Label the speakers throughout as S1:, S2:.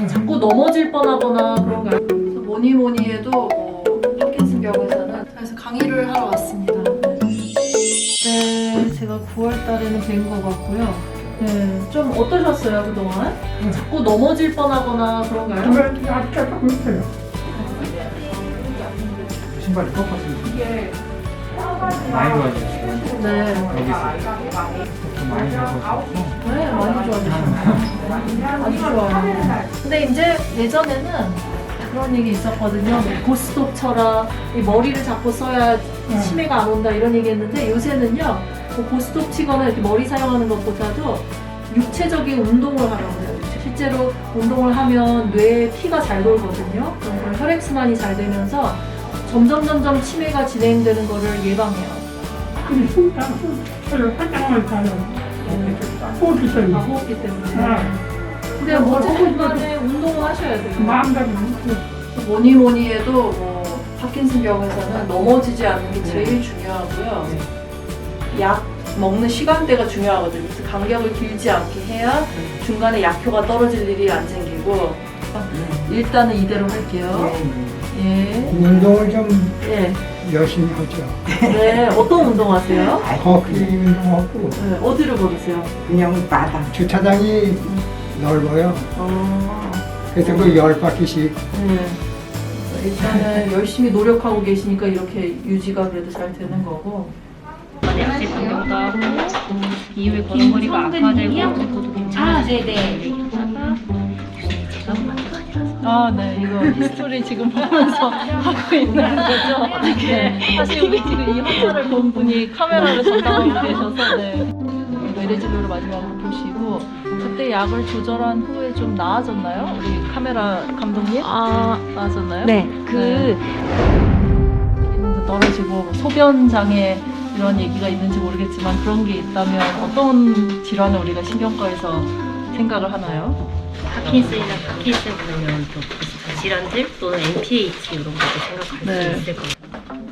S1: 자꾸 넘어질 뻔하거나 그런가요? 그래서 뭐니 해도 파킨슨 병원에서는 그래서 강의를 하러 왔습니다. 네, 제가 9월 달에는 뵌 것 같고요. 네, 좀 어떠셨어요 그동안? 자꾸 넘어질 뻔하거나 그런가요?
S2: 그러면 아까 조금 있어요.
S3: 신발이 꺾었으면 많이 좋아졌어요.
S1: 네,
S3: 좀 많이 좋아졌고
S1: 네 많이 좋아졌어요. 아주 좋아요. 근데 이제 예전에는 그런 얘기 있었거든요. 고스톱 쳐라, 이 머리를 잡고 써야 치매가 안 온다 이런 얘기 했는데 요새는요, 고스톱 치거나 이렇게 머리 사용하는 것보다도 육체적인 운동을 하라고 해요. 실제로 운동을 하면 뇌에 피가 잘 돌거든요. 그럼 혈액순환이 잘 되면서 점점 치매가 진행되는 거를 예방해요.
S2: 근데 숨다 저를 화장을 가요. 호흡기 때문에.
S1: 호흡기 때문에. 근데
S2: 뭐
S1: 어쨌든 간에 운동을 하셔야 돼요.
S2: 마음대로.
S1: 뭐니 해도 파킨슨 병에서는 넘어지지 않는 게 제일 중요하고요. 약 먹는 시간대가 중요하거든요. 그래서 간격을 길지 않게 해야 중간에 약효가 떨어질 일이 안 생기고. 일단은 이대로 할게요. 예.
S4: 운동을 좀
S1: 예.
S4: 열심히 하죠.
S1: 네. 어떤 운동 하세요?
S4: 걷기 운동하고
S1: 네. 어디를 걸으세요?
S4: 그냥 바닥 주차장이 넓어요.
S1: 어.
S4: 그래서 그 10바퀴씩
S1: 네. 일단은 열심히 노력하고 계시니까 이렇게 유지가 그래도 잘 되는 거고.
S5: 약제 변경도 하고 이후에 걸음걸이가 악화되고 그것도 괜찮아지고
S1: 아, 네. 이거 히스토리 지금 보면서 하고 있는 거죠? 네. 사실 우리 지금 이 환자를 본 분이 카메라를 담당하고 계셔서, 네. 외래진료를 마지막으로 보시고, 그때 약을 조절한 후에 좀 나아졌나요? 우리 카메라 감독님? 나아졌나요?
S5: 네,
S1: 기능도 떨어지고, 소변 장애 이런 얘기가 있는지 모르겠지만 그런 게 있다면 어떤 질환을 우리가 신경과에서 생각을 하나요?
S5: 파킨슨이나 파킨슨 관련 또 질환들 또는 MPH 이런 것도 생각할
S1: 네.
S5: 수 있을 것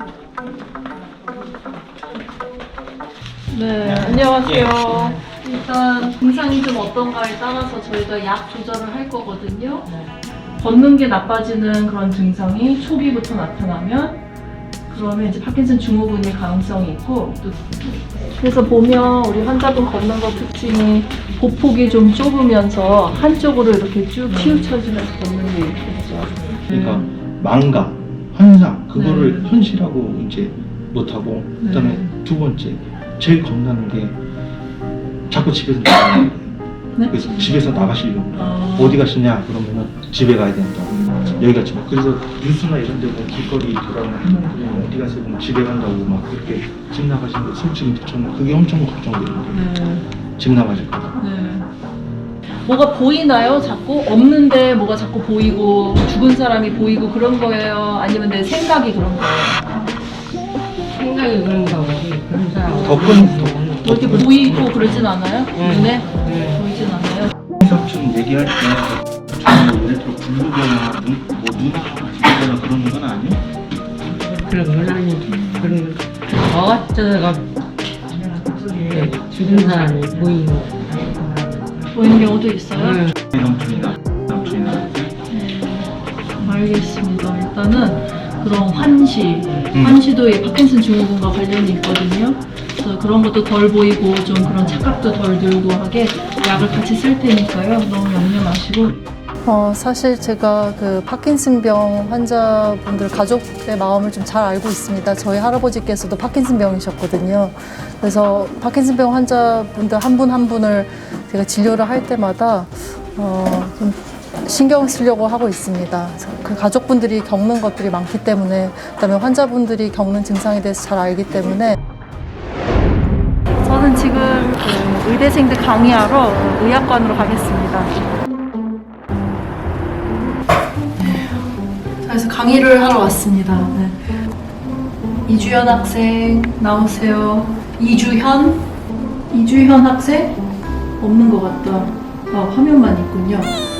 S5: 같아요.
S1: 네, 안녕하세요. 일단 증상이 좀 어떤가에 따라서 저희가 약 조절을 할 거거든요. 걷는 게 나빠지는 그런 증상이 초기부터 나타나면 그러면 이제 파킨슨 증후군일 가능성이 있고, 또 그래서 보면 우리 환자분 걷는 거 특징이 보폭이 좀 좁으면서 한쪽으로 이렇게 쭉 치우쳐지면서 걷는 게 있겠죠.
S6: 그러니까 망각, 환상 그거를 현실하고 이제 못하고 그다음에 두 번째 제일 겁나는 게 자꾸 집에서 나가는 거예요.
S1: 네?
S6: 그래서 집에서 나가시려고 어디 가시냐 그러면은 집에 가야 된다. 여기가 집. 그래서 뉴스나 이런 데 보면 길거리 돌아오는 할머니들이 어디 가세요? 그러면 집에 간다고 막 그렇게 집 나가시는 거 솔직히 저는 그게 엄청 걱정돼요. 집 나가실까 봐.
S1: 네. 뭐가 보이나요? 자꾸? 없는데 뭐가 자꾸 보이고 죽은 사람이 보이고 그런 거예요? 아니면 내 생각이 그런 거예요?
S7: 생각이 그런가 보지. 그런 사람.
S6: 더
S1: 이렇게 보이고 그러진 않아요? 눈에? 보이진 않아요?
S6: 의사처럼 얘기할 때 저는 뭐 예를 들어 굴르거나 눈이 굴르거나 그러는 건 아니에요?
S7: 그런 건 아니지. 그런 어쩌다가 죽은 사람이 보이고.
S1: 보이는 경우도 있어요?
S6: 남친이나
S1: 알겠습니다. 일단은 그런 환시도 이 파킨슨 증후군과 관련이 있거든요. 그래서 그런 것도 덜 보이고 좀 그런 착각도 덜 들고 하게 약을 같이 쓸 테니까요. 너무 염려 마시고. 사실 제가 그 파킨슨병 환자분들 가족의 마음을 좀 잘 알고 있습니다. 저희 할아버지께서도 파킨슨병이셨거든요. 그래서 파킨슨병 환자분들 한 분 한 분을 제가 진료를 할 때마다 좀 신경 쓰려고 하고 있습니다. 그 가족분들이 겪는 것들이 많기 때문에, 그다음에 환자분들이 겪는 증상에 대해서 잘 알기 때문에. 저는 지금 그 의대생들 강의하러 의학관으로 가겠습니다. 그래서 강의를 하러 왔습니다. 네. 이주현 학생 나오세요. 이주현 학생? 없는 것 같다. 화면만 있군요.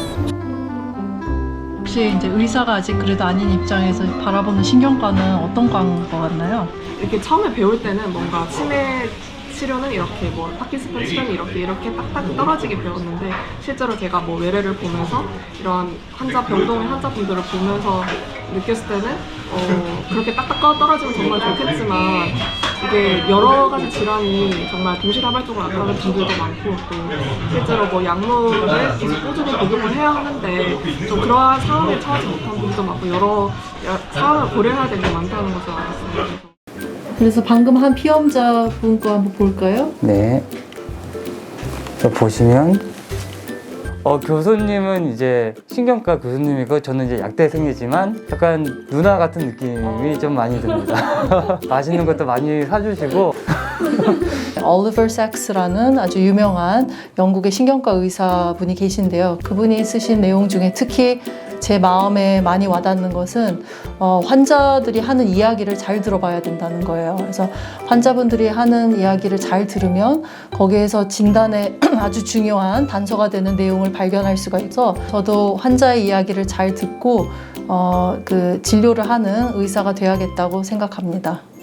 S1: 혹시 이제 의사가 아직 그래도 아닌 입장에서 바라보는 신경과는 어떤 과인 것 같나요?
S8: 이렇게 처음에 배울 때는 뭔가 치매 치료는 이렇게 뭐 파킨슨 치료는 이렇게 딱딱 떨어지게 배웠는데 실제로 제가 뭐 외래를 보면서 이런 병동의 환자분들을 보면서 느꼈을 때는 그렇게 딱딱 떨어지면 정말 좋겠지만 이게 여러 가지 질환이 정말 동시다발적으로 나타나는 분들도 많고 또 실제로 뭐 약물을 계속 꾸준히 복용을 해야 하는데 좀 그러한 상황에 처하지 못한 분들도 많고 여러 상황을 고려해야 되는 게 많다는 것을 알았어요.
S1: 그래서 방금 한 피험자분 거 한번 볼까요?
S9: 네. 저 보시면 교수님은 이제 신경과 교수님이고 저는 이제 약대생이지만 약간 누나 같은 느낌이 좀 많이 듭니다. 맛있는 것도 많이 사주시고.
S1: 올리버 삭스라는 아주 유명한 영국의 신경과 의사분이 계신데요. 그분이 쓰신 내용 중에 특히 제 마음에 많이 와닿는 것은 환자들이 하는 이야기를 잘 들어봐야 된다는 거예요. 그래서 환자분들이 하는 이야기를 잘 들으면 거기에서 진단에 아주 중요한 단서가 되는 내용을 발견할 수가 있어 저도 환자의 이야기를 잘 듣고 그 진료를 하는 의사가 돼야겠다고 생각합니다.